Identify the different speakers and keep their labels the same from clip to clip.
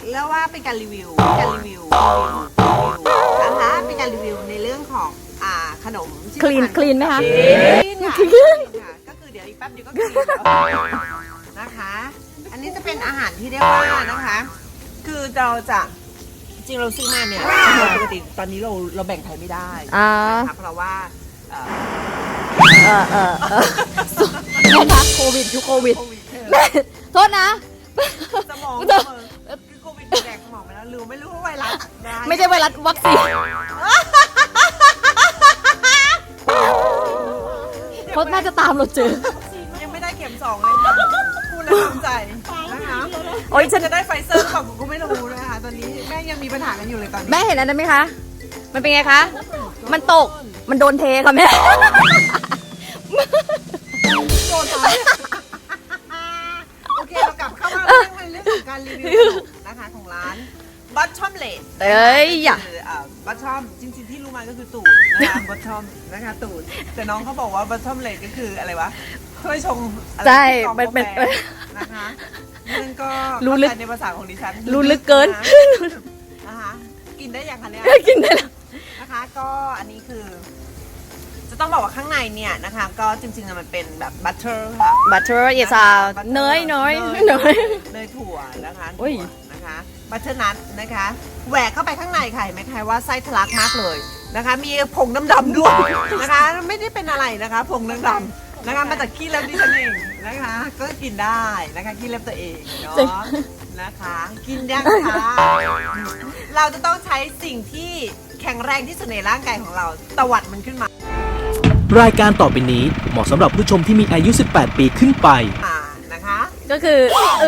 Speaker 1: เรียกว่าเป็นการรีวิวนะคะเป็นการรีวิวในเรื่องของขนม
Speaker 2: คลีนไหมคะ
Speaker 1: คลีนค่ะก็คือเดี๋ยวอีกแป๊บเดียวก็คลีนแล้วนะคะ อันนี้จะเป็นอาหารที่เรียกว่านะคะ คือเราจะจริงเราซื้อมาเนี่ยปกติตอนนี้เราแบ่งไทยไม่ได้นะคะเพราะว่า
Speaker 2: แม่คะโควิดยุคโควิดแม่โทษนะ
Speaker 1: สมองคือโควิดแดกสมองไปแล้วลืมไม่รู้ว่าไวรัส
Speaker 2: ไม่ใช่ไวรัสวัคซีนเขาน่าจะตามเราเจอ
Speaker 1: ยังไม่ได้เข็ม2เลยค่ะพูดแล้วภูมิใจนะคะ
Speaker 2: โอ๊ยฉัน
Speaker 1: จะได้ไฟเซอร์หรือเปล่าผมก็ไม่รู้นะคะตอนนี้แม่ยังมีปัญหากันอยู่เลยตอนนี้
Speaker 2: แม่เห็นอันนั้นไหมคะ มันเป็นไงคะ มันตก มันโดนเทค่ะแม่
Speaker 1: โดนอะไรโอเคเรากลับเข้ามาเรื่องของการรีวิวนะคะของร้านบัตชอมเลด
Speaker 2: เอ้ยอย่า
Speaker 1: บัตชอมจริงๆที่รู้มาก็คือตูดนะคะบัตชอมนะคะตูดแต่น้องเขาบอกว่าบัตชอมเลดก็คืออะไรวะถ้วยชงอะไร
Speaker 2: ใช่
Speaker 1: ที่กรอง
Speaker 2: มันเป็น
Speaker 1: กาแฟนะคะนั่นก็
Speaker 2: รู้ลึก
Speaker 1: เข้าใจในภาษาของดิฉัน
Speaker 2: รู้ลึกเกิน
Speaker 1: นะคะกินได้ยังคะเนี่ย
Speaker 2: กินได้แล้ว
Speaker 1: นะคะก็อันนี้คือ จะต้องบอกว่าข้างในเนี่ยนะคะก็จริงๆมันเป็นแบบบัตเตอร์ค่ะ
Speaker 2: บัตเตอร์อย่าซาเนยเนย
Speaker 1: เนยถั่วนะคะ
Speaker 2: โอ้ย
Speaker 1: ถั่วนะคะบัตเตอร์นัทนะคะแหวกเข้าไปข้างในค่ะเห็นไหมคะว่าไส้ทะลักมากเลยนะคะ มีผงดำๆด้วยนะคะไม่ได้เป็นอะไรนะคะผงดำๆนะคะมาจากขี้เล็บดิฉันเองนะคะ ก็กินได้นะคะขี้เล็บตัวเองเนาะนะคะ กินยังคะเราจะต้องใช้สิ่งที่แข็งแรงที่สุดในร่างกายของเราตวัดมันขึ้นมา
Speaker 3: รายการต่อไปนี้เหมาะสำหรับผู้ชมที่มีอายุ 18 ปีขึ้นไป
Speaker 1: นะคะ
Speaker 2: ก็คือ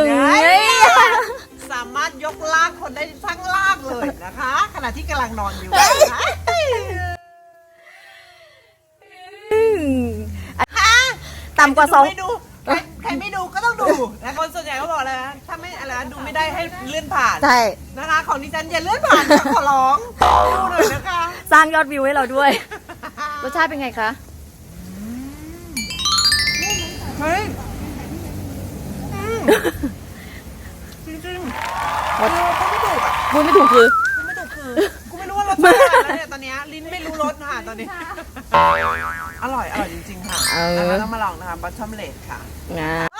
Speaker 1: สามารถยกลากคนได้ทั้งลากเลยนะคะ ขณะที่กำลังนอนอยู่นะคะ
Speaker 2: ต่ำกว่าสอง
Speaker 1: ไม่ดูใครไม่ดูก็ต้องดูนะคนส่วนใหญ่เขาบอกเลยนะถ้าไม่อะไรนะดูไม่ได้ให้เลื่อนผ่าน
Speaker 2: ใช่
Speaker 1: นะคะของดิฉันอย่าเลื่อนผ่านค่ะขอร้องดูหน่อยนะคะ
Speaker 2: สร้างยอดวิวให้เราด้วย รสชาติเป็นไงคะ
Speaker 1: เฮ้ยจริงๆพูดไม่ถูกอ่ะ
Speaker 2: พูดไม่ถูกคือ
Speaker 1: พูดไม่ถูกคือกูไม่รู้ว่ารสชาติอะไรแล้วเนี่ยตอนเนี้ยลิ้นไม่รู้รสค่ะตอนนี้อร่อยจริงๆค่ะนะคะต้องมาลองนะคะบัตชอมเลดค่ะ